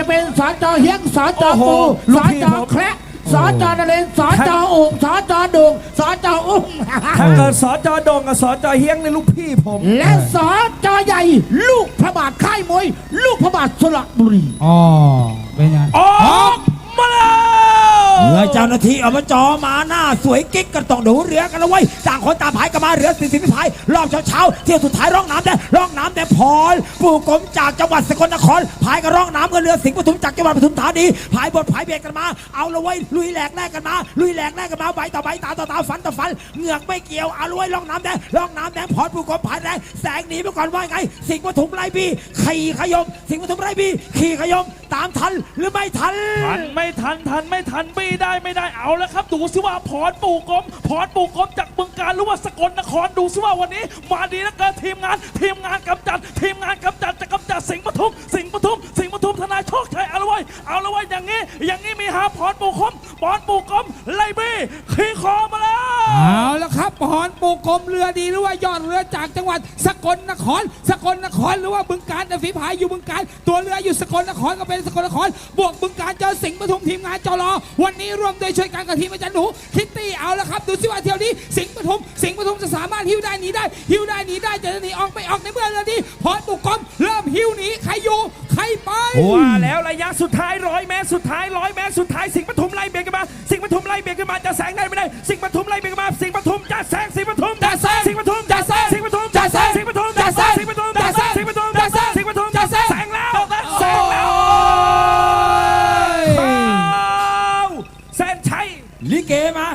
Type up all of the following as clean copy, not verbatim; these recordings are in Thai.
เป็นสจเฮียงสจปูสจแคระสจนเรนสจองสจดุงสจอุ้มถ้าเกิดสจดงกับสจเฮียงในลูกพี่ผมและสจใหญ่ลูกพระบาทค่ายมวยลูกพระบาทสระบุรีอ๋อเป็นไงออกมาแล้วเมื่อเจ้าหน้าที่อบจมาหน้าสวยกิ๊กกันต้องดูเรือกันแล้วเว้ยต่างคนต่างพายกันมาเรือ40พิพายรอบเช้าเที่ยวสุดท้ายร่องน้ำแต่พรปู่กรมจากจังหวัดสกลนครพายกันร่องน้ำกันเรือสิงห์ปทุมจากจังหวัดปทุมธานีพายบทพายเบียดกันมาเอาละเว้ยลุยแหลกแรกกันมาใบต่อใบตาต่อตาฟันต่อฟันเหงือกไม่เกี่ยวเอาละเว้ยร่องน้ำแดงพรปู่กรมพายแรงแสงหนีไปก่อนว่าไงสิงห์ปทุมไล่บีขี่ขยมสิงห์ปทุมไล่บีขี่ขยมตามทันหรือไม่ทันไม่ทันไม่ได้เอาแล้วครับดูซิว่าพรปู่กรมจากบึงกาฬหรือว่าสกลนครดูซิว่าวันนี้มาดีแล้วเกินทีมงานกำจัดจะกำจัดสิงห์ปทุมทนายโชคชัยเอาละไว้อย่างนี้มีหาพรปู่กรมไล่บี้ขี่คอมาแล้วเอาแล้วครับพรปู่กรมเรือดีหรือว่ายอดเรือจากจังหวัดสกลนครหรือว่าบึงกาฬแต่ฝีพายอยู่บึงกาฬตัวเรืออยู่สกลนครก็เป็นสกลนครบวกบึงกาฬเจอสิงห์ปทุมทีมงานจรวันนี้ร่วมโดยช่วยกันกับทีมอาจารย์หนูคิตตี้เอาแล้วครับดูซิว่าเที่ยวนี้สิงห์ปทุมจะสามารถหิ้วได้หนีได้จะหนีออกไม่ออกในเมื่อเรือนี้พรปู่กรมเริ่มหิ้วหนีใครอยู่ใครไปว่าแล้วระยะสุดท้าย100 เมตรสุดท้ายสิงห์ปทุมไล่เบียดกันมาจะแซงได้ไม่ได้สิงห์ปทุมไล่เบียดกันมาสิงห์ปทุมจะแซงสิงห์ปทุมจะแซงแล้วแซนชัยลิเกมา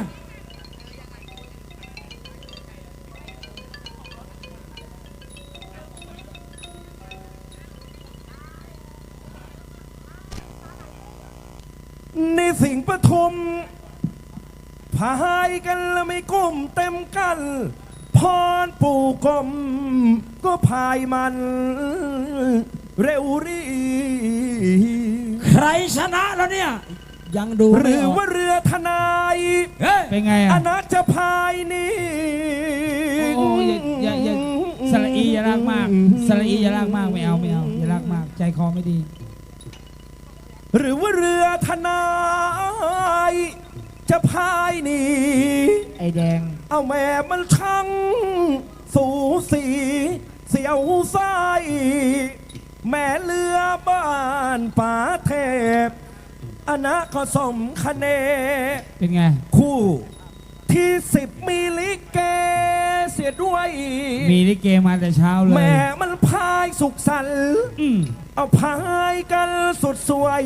ในสิงห์ปทุมพายกันแล้วไม่ก้มเต็มกันพรปู่กรมก็พายมันเร็วรีใครชนะแล้วเนี่ยยังดูหรือว่าเรือทนายเป็นไงอ่ะอนัจะพายนี่โอ้อย่าสระอีอย่าลากมากไม่เอาอย่าลากมากใจคอไม่ดีหรือว่าเรือทนายจะพายนี่ไอแดงเอาแม่มันช่างสูสีเสียวไส้แม่เรือบ้านป่าเทพอนาก็สมคะแนนเป็นไงคู่ที่10มีลิเกเสียด้วยมีลิเกมาแต่เช้าเลยแม่มันพายสุขสันต์เอาพายกันสุดสวย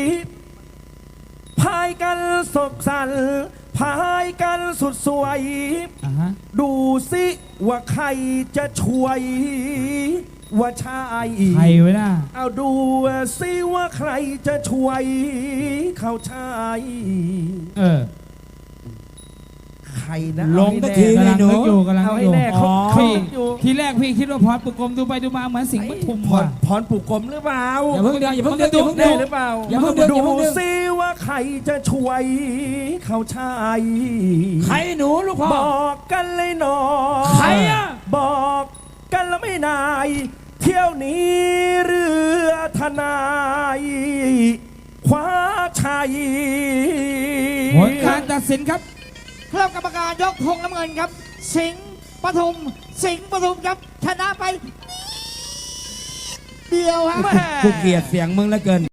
พายกันสุขสันต์พายกันสุดสวยดูสิว่าใครจะช่วยว่าชายใครไว้นะเอาดูสิว่าใครจะช่วยเขาชายใครนะลงตะทีกำลังนึกอยู่เอาให้แน่ทีแรกพี่คิดว่าพรปู่กรมดูไปดูมาเหมือนสิงห์ปทุมว่ะพรปู่กรมหรือเปล่าอย่าเพิ่งดูหรือเปล่าดูซิว่าใครจะช่วยเขาชายใครหนูลูกพ่อบอกกันเลยหนอใครอ่ะบอกกันแล้วไม่นายเที่ยวนี้เรือทนายคว้าชัยผลการตัดสินครับคณะกรรมการยกธงน้ำเงินครับสิงห์ปทุมครับชนะไปเดียวฮะกูเกลียดเสียงมึงเหลือเกิน